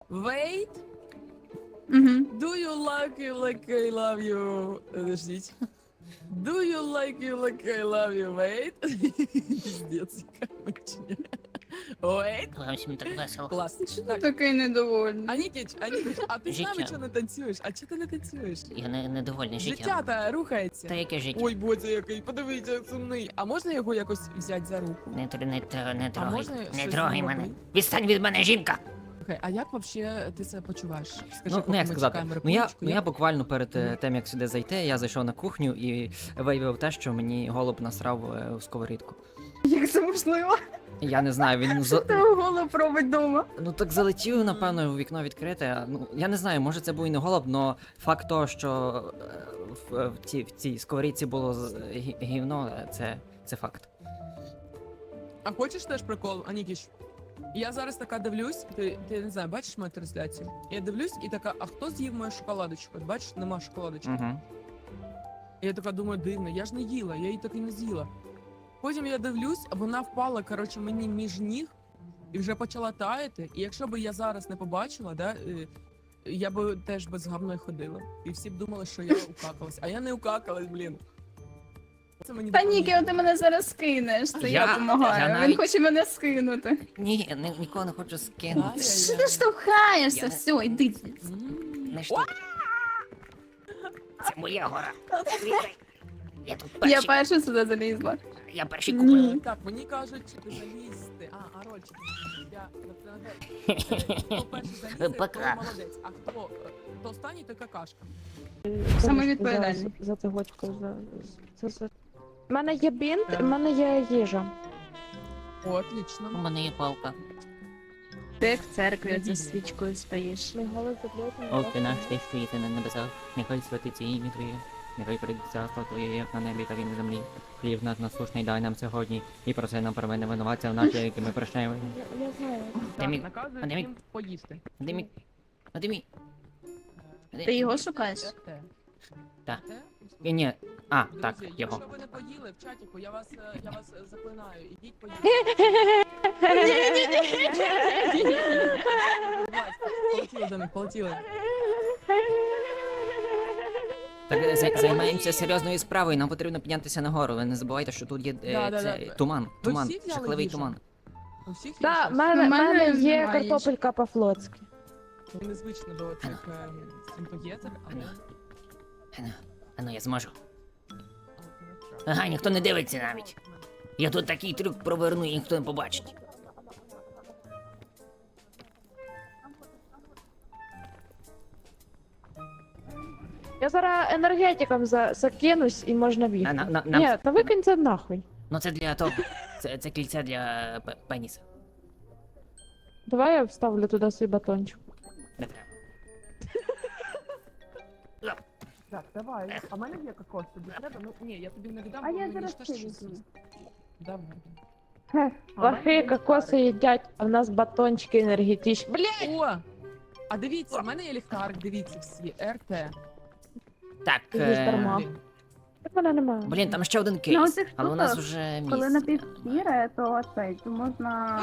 Wait, Угу. do you like I love you? Подождите. Do you like I love you? Wait. Пиздец, короче. Wait. Вам всім так весело. Классно. Що ти Так, такий недовольний? Анікіч, а ти з нами Життя. чого не танцюєш? А чого ти не танцюєш? Я недовольний життям. Життя-то рухається. Та яке життя? Ой, Бодя який, подивіться, як сумний. А можна його якось взяти за руку? Не трогай. можна Не щось трогай мене. зробити? Відстань від мене, жінка! Слухай, а як вообще ти себе почуваєш? Скажи, Ну, поки як ми сказати, чекаємо ну я репуточку, буквально перед тим, як сюди зайти, я зайшов на кухню і виявив те, що мені голуб насрав у сковорідку. Як це можливо? Я не знаю, він Ти голуб робить вдома. ну так залетів, напевно, вікно відкрите. Ну я не знаю, може це був і не голуб, але факт того, що в цій сковорідці було гівно, це факт. А хочеш теж прикол, Анікіч? Я зараз така дивлюсь, ти не знаю, бачиш мою трансляцію? Я дивлюсь і така, а хто з'їв мою шоколадочку? От бачиш, нема шоколадочки. Угу. І я така думаю, дивно, я ж не їла, я її так і не з'їла. Потім я дивлюсь, а вона впала, коротше, мені між ніг і вже почала таяти. І якщо б я зараз не побачила, да, я б теж без говно ходила. І всі б думали, що я укакалась. А я не укакалась, блін. Це мені Та допомігло. Нікі, ти мене зараз скинеш, то я Я допомагаю. навіть- Він хоче мене скинути. Ні, нікого не хочу скинути. Що ти штовхаєшся? Я не- Все, йди. М. Не штука. Це моя гора. Я тут Я перший. перша сюди залізла. Я перший Ні. купив. Так, мені кажуть, ти залізти. А рольчик. Я хто перший залізе, Пока. той молодець. А хто останній, то какашка. Саме відповідальний. За цегочку. У мене є бінт, у мене є їжа. О, У отлично. мене є палка. Ти в церкві за свічкою стоїш. Мій голос заблокований. О, ти наш, ти стоїти на небесах. Нехай святиться ім'я Твоє. Нехай прийде царство Твоє, як на небі, так і на землі. Хліб наш насущний дай нам сьогодні. І проси нам провини винуватця в наші, які ми прощаємо. Я знаю. Де мій- наказує а де мій- всім поїсти. Де мій? А де мій? Ти його шукаєш? Так. Те? Ні. А, Друзі, так, його. якщо ви не поїли в чатіку, я вас заклинаю. Ідіть поїсти. Полетіли до них, полетіли. Так займаємося серйозною справою. Нам потрібно піднятися нагору. Ви не забувайте, що тут є Да. туман. Туман, всі взяли жахливий їжу? туман. У всіх є Так, щось? в мене мене є немає картопелька по-флотськи. Незвично до цих стімпогетер, але... Ану, я зможу. Ага, ніхто не дивиться навіть. Я тут такий трюк проверну і ніхто не побачить. Я зараз енергетиком закинусь і можна бігти. Нам... Ні, та викинь це нахуй. Ну це для того. Це кільце для пеніса. Давай я вставлю туди свій батончик. Не треба. Так, давай. А в мене є кокос, тобі треба? Ну, ні, я тобі не віддам, А бо я мені зараз ж теж це щось візьму. їсти. Давай. Лохи, кокоси їдять, а в нас батончики енергетичні. Блядь! О! А дивіться, в мене є ліхтарик, дивіться всі, РТ. Так, Ти їж дарма. Блін. Так мене немає. блін, там ще один Ну, кейс, цих але у нас штуках, вже Коли місце. напівсіре, то цей, то можна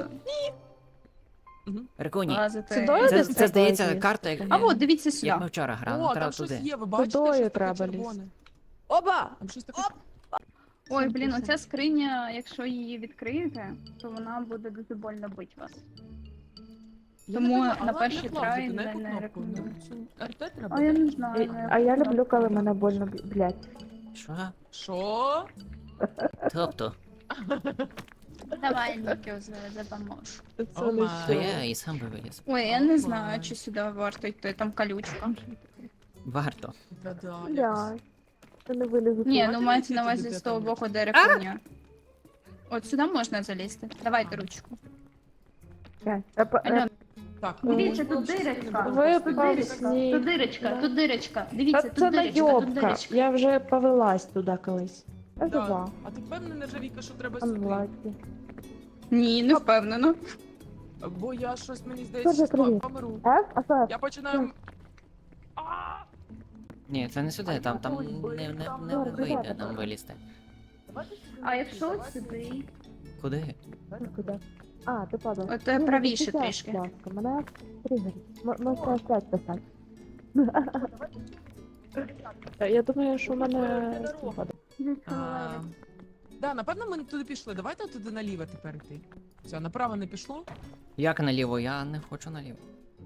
Рикуні, лазити. Сюди це, десь це здається треба карта, лізти? А от, дивіться як сюди. ми вчора грали, О, треба там щось туди. є, ви бачите, Тудою щось таке треба червоне? Оба! Там щось таке. Ой, блін, оця скриня, якщо її відкриєте, то вона буде дуже больно бити вас. Я Тому не знаю, на а перший ладно, трай Клавдія, не на яку кнопку? рекомендую. На цю РТ треба? А я не знаю. А я люблю, коли мене больно блядь. Що? Що? Тобто, Давай, Ніки, допоможу. Це О, не май. то що. я і сам би виліз. Ой, я не знаю, чи сюди варто йти, там колючка. Варто. Да-да, якось. Блядь. Це не вилізу. Ні, Давайте ну мається на летіти увазі де з того там. боку, де реконя. От сюди можна залізти. Давайте ручку. Блядь. Так, Дивіться, ну, тут щось дирочка. не було. Ви Тут пав дирочка, сніг. тут дирочка, Да. тут дирочка. Дивіться, Та тут це дирочка, тут найобка. дирочка. Я вже повелась туди колись. Я Да. жива. А ти впевнена, нержавійка, що треба Там сюди? ладні. Ні, не впевнено. Бо я щось, мені здається, Дуже що привіт. помру. А це? Я починаю... А! Ні, це не сюди, там не вийде нам вилізти. А якщо от сюди? Куди? Куди? А, ти падав. От, Ні, правіше не кричай, трішки. будь ласка, мене тригерить. Можете опять писати. Я думаю, що в мене стрім падав. А, Да, напевно, ми не туди пішли. Давайте туди наліво тепер йти. Все, направо не пішло. Як наліво? Я не хочу наліво.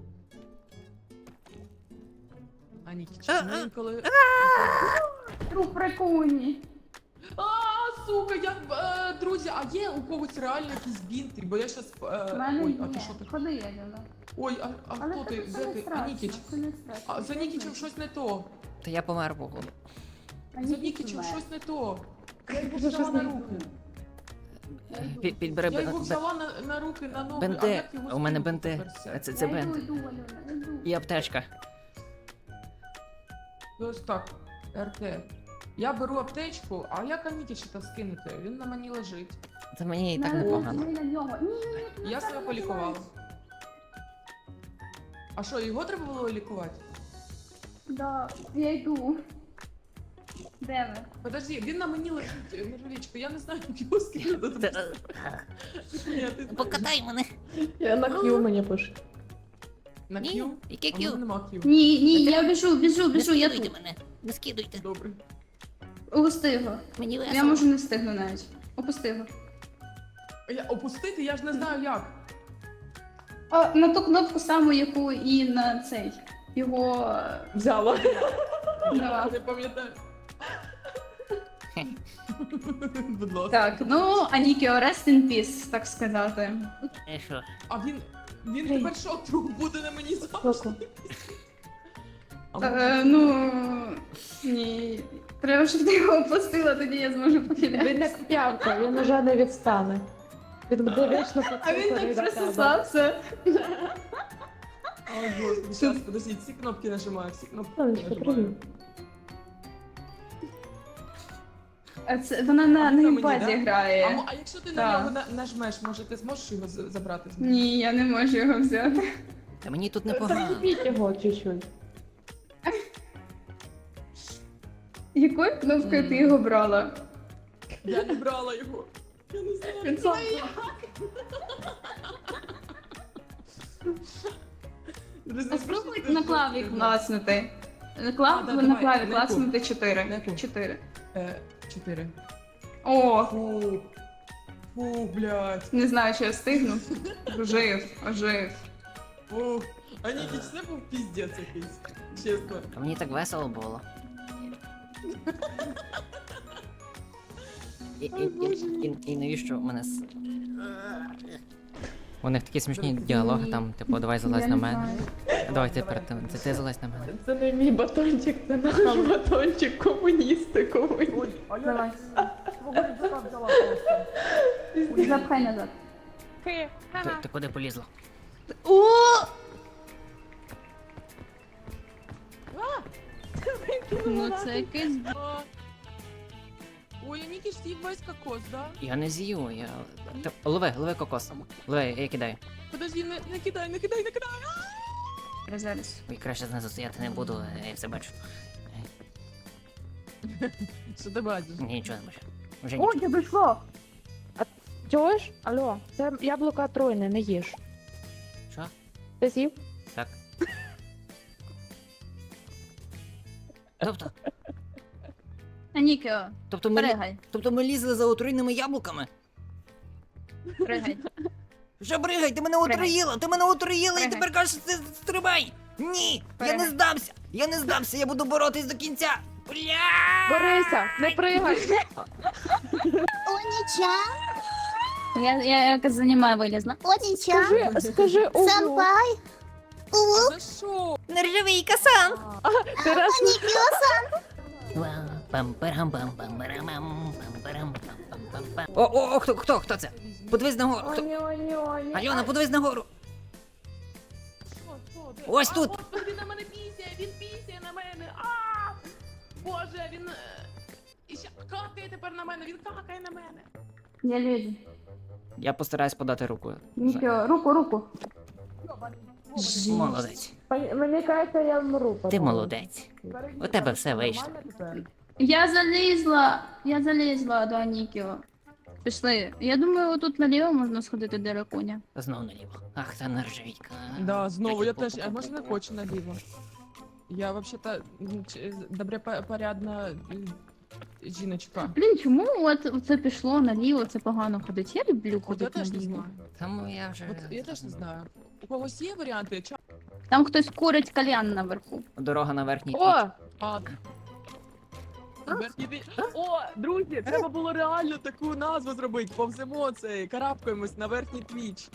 А Нікіч, ми інколи... Труп ракуні. А, сука, друзі, а є у когось реально якісь бінти? Бо я щас... У мене Ой, є. а ти що так? Ходи, я Люна. Ой, а Але хто ти? це Де не ти? страшно, А Нікіч? це не страшно. А за Нікічем щось не то. Та я помер походу. А За Нікіч Нікічем вмер. щось не то. Я його Це взяла щось на не руки. Підбери Я його взяла на руки, на ноги, а бенте. як його У мене скинути бенте. тепер все? Це Я бент. йду, Альона, йду. І аптечка. Ось так, РТ. Я беру аптечку, а як Анікіча та скинути? Він на мені лежить. Це мені і так На- непогано. на нього. Ні, Я себе полікувала. А що, його треба було лікувати? Да, я йду. Де ви? Подожди, він на мені лежить, нержавічка, я не знаю, як його скинути. Ні, ти Покатай мене. Я на Q мені пише. на Ні, Q? яке А в мене Q? нема Q. Ні, я біжу, Не я скидуйте тут. мене. Не скидуйте. Добре. Опусти його. Мені Я весело. можу не встигну навіть. Опусти його. Опустити, я ж не знаю як. А, на ту кнопку саму, яку і на цей. Його... Взяла. Да. Не пам'ятаю. Будь ласка. Так, ну, Анікіо, rest in peace, так сказати. Що? А він тепер що, труп буде на мені завжди? Сколько? Ну, ні. Треба, щоб ти його опустила, тоді я зможу Він похилятися. як п'явка, він уже не відстане. Він буде вічно А він так підсушений до тебе. присосався. О, господи, зараз, подождіть, всі кнопки нажимаю, всі кнопки Сонечко, нажимаю. привіт. А це, вона на мені, геймпаді да? грає. А якщо ти Так. на нього нажмеш, може ти зможеш його забрати з мене? Ні, я не можу його взяти. Та мені тут непогано. Зробіть його чуть-чуть. Якою кнопкою ти його брала? Я не брала його. Я не знаю. Він сам. А спробуй на клаві класнути. На А, да, на давай, клаві на класнути На 4. яку? 4. 4. О, Фу. Фу, блядь. не знаю, чи я встигну. Ожив. Фу. А Нікіч, це був піздець якийсь. Чесно. А мені так весело було. І навіщо в мене у них такі смішні діалоги, там, типу, давай залазь Я на не мене. знаю. Давай тепер ти залазь на мене. Це не мій батончик, це наш батончик. Комуністи. Ой, Давай. Свого рюкзака взяла просто. Запхай назад. Ти куди полізла? О! Ну це якийсь... А. Ой, а Нікіч з'їв весь кокос, да? Я не з'їв, я. Лови кокос. Лови, я кидаю. Подожди, не кидай, не кидай, не кидай. Зараз. Ой, краще знизу стояти не буду, я все бачу. Що ти бачиш? Нічого не бачу. Вже О, нічого. я прийшла! Чуєш? Алло, це яблуко отруйне, не їж. Що? Ти з'їв? Так. Тобто, Анікіо, тобто ми, пригай. тобто ми лізли за отруйними яблуками? Пригай. Що бригай, ти мене отруїла, ти мене отруїла і Пригай. тепер кажеш, ти стрибай! Ні! Я Пригай. не здамся! Я не здамся, я буду боротись до кінця! Бля! Борися, не пригай. Я якось займаю вилізна. Скажи угу. А за що? Нержавійка-сан! Ти раз О, хто це? Подивись нагору. Хто? Альона, подивись нагору. Що, де? Ось А, тут. Господи, він на мене пісяє, він пісяє на мене. А! Боже, він... І ще какає тепер на мене, він какає на мене. Я лізу. Я постараюсь подати руку. Нікіо, руку. Молодець. Мені кажеться, я вмру. Ти потім. молодець. У тебе все вийшло. Я залізла до Анікіо. Пішли. Я думаю, отут наліво можна сходити до ракуня. Знов наліво. Ах, та нержавійка. Да, знову, я теж, а може не хочу наліво. Я вообще-то добропорядна жіночка. Блін, чому от це пішло наліво, це погано ходить? Я люблю От я ходити теж не наліво. знаю. Там я вже... От я теж не знаю. У когось є варіанти? Там хтось курить кальян наверху. Дорога на верхній О, А. О, друзі, треба було реально таку назву зробити. Повземо цей, карабкаємось на верхній твіч.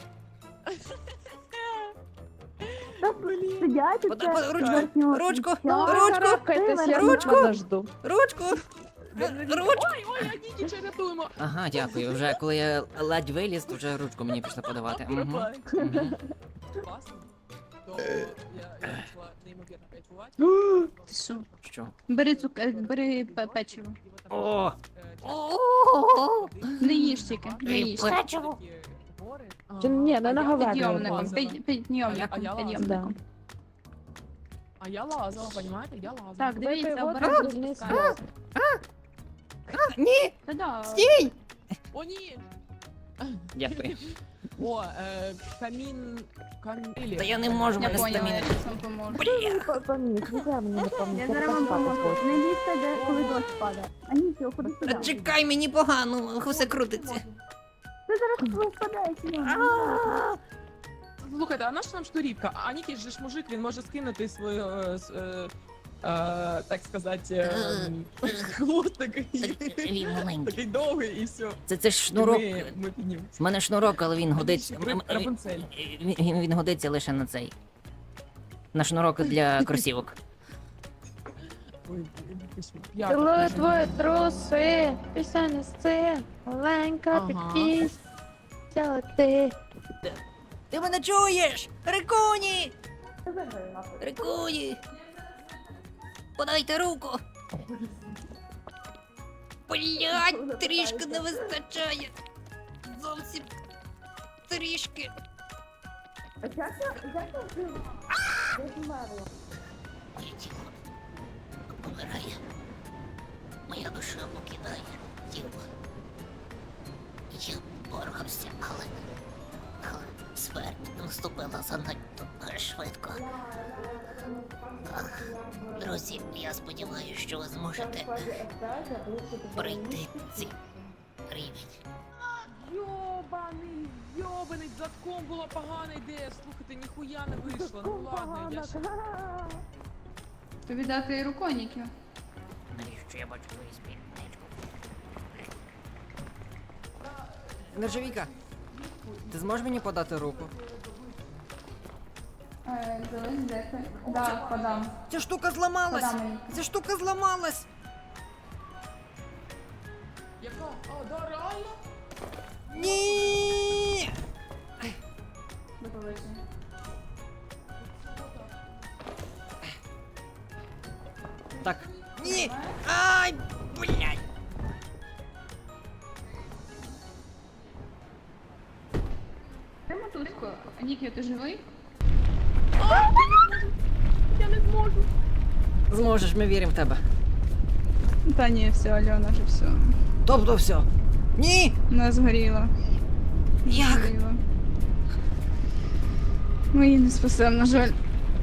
Блін. Сидять Ручку, ручку, ну, ручку, карабкайтесь, я ручку. тут подожду. ручку. Ручку. Ой, ой, Анітіча, рятуємо. Ага, дякую. Вже коли я ледь виліз, то вже ручку мені пішли подавати. Мгм. Мгм. Класно. То я почала неймовірно кайфувати. Ти що? Що? Бери печиво. О! Не їж тільки, не їж. Печиво. Чи ні, не наговарюй. Підйомником, лазила. підйомником, А я лазила. підйомником. А я лазала, понімаєте? Я лазала. Так, дивіться, Випий воду, обережно звільни спускаємося. Ні! Та-да. Стій! О, ні! Дякую. О, камілі. Та я не можу, Я мене поняла, стаміни. я щас вам поможу. Бля. Поміг, нельзя мені не поміг. Я зараз вам поможу. Не лізьте, де коли дощ падає. А ні, ходи сюди. Чекай, мені погано, все крутиться. Ти зараз впадаєш. Слухайте, а наша нам штурівка? А Нікіч же ж мужик, він може скинути свою, так сказати, хвостик. Він маленький. Такий довгий і все. Це ж шнурок. Ми піднімемо. В мене шнурок, але він годиться. Рапунцель. Він годиться лише на цей. На шнурок для кросівок. Ой, Цілую твої труси, пісня сцен, маленька Ага. пісня, ти. Ти мене чуєш? Рикуні! Рикуні! Подайте руку! Блять, трішки не вистачає! Зовсім трішки! Моє тіло помирає. Моя душа покидає тіло. Я боргався, але смерть наступила занадто швидко. Друзі, я сподіваюся, що ви зможете пройти цей рівень. Йобаний, затком була погана ідея. Слухайте, ніхуя не вийшло. Ну ладно, я ще... Тобі дати рукойників. Навіщо я бачу твої спільничку? Нержавійка, ти зможеш мені подати руку? Залиш де ти? Да, подам. Ця штука зламалась! Подам мені. Ця штука зламалась! Яка? А, да, реально? Ні! До побачення. Так. Ні! Ай! Блядь! Ти мотузку. Нікіо, ти живий? Я не зможу. Зможеш, ми віримо в тебе. Та ні, все, Альона вже все. Тобто все. Ні! Вона згоріла. Як? Згоріла. Ми її не спасемо, на жаль.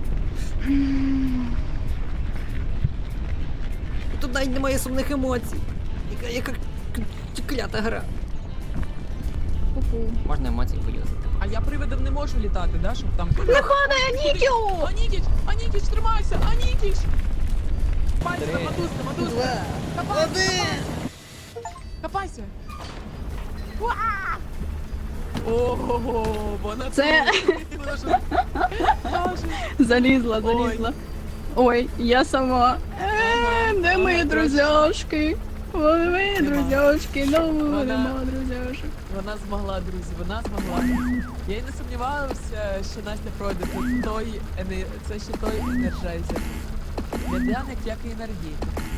Тут навіть немає сумних емоцій. Яка клята гра. Ку-ку. Можна емоції поюзати. А я привидом не можу літати, да, щоб там... Не падай, Анікіо! Анікіч, тримайся, Анікіч! Пальця, матузка. Один! Копайся! Уа! Ого, вона Це- вона ж- Залізла, Ой. залізла. Ой, я сама. Де мої друзяшки? Вони мої Нема. друзяшки, ну Вона- нема друзяшок. Вона змогла, друзі, вона змогла. Я й не сумнівалася, що Настя пройде. Це ще той енержайзер. Медяник, як і енергетик.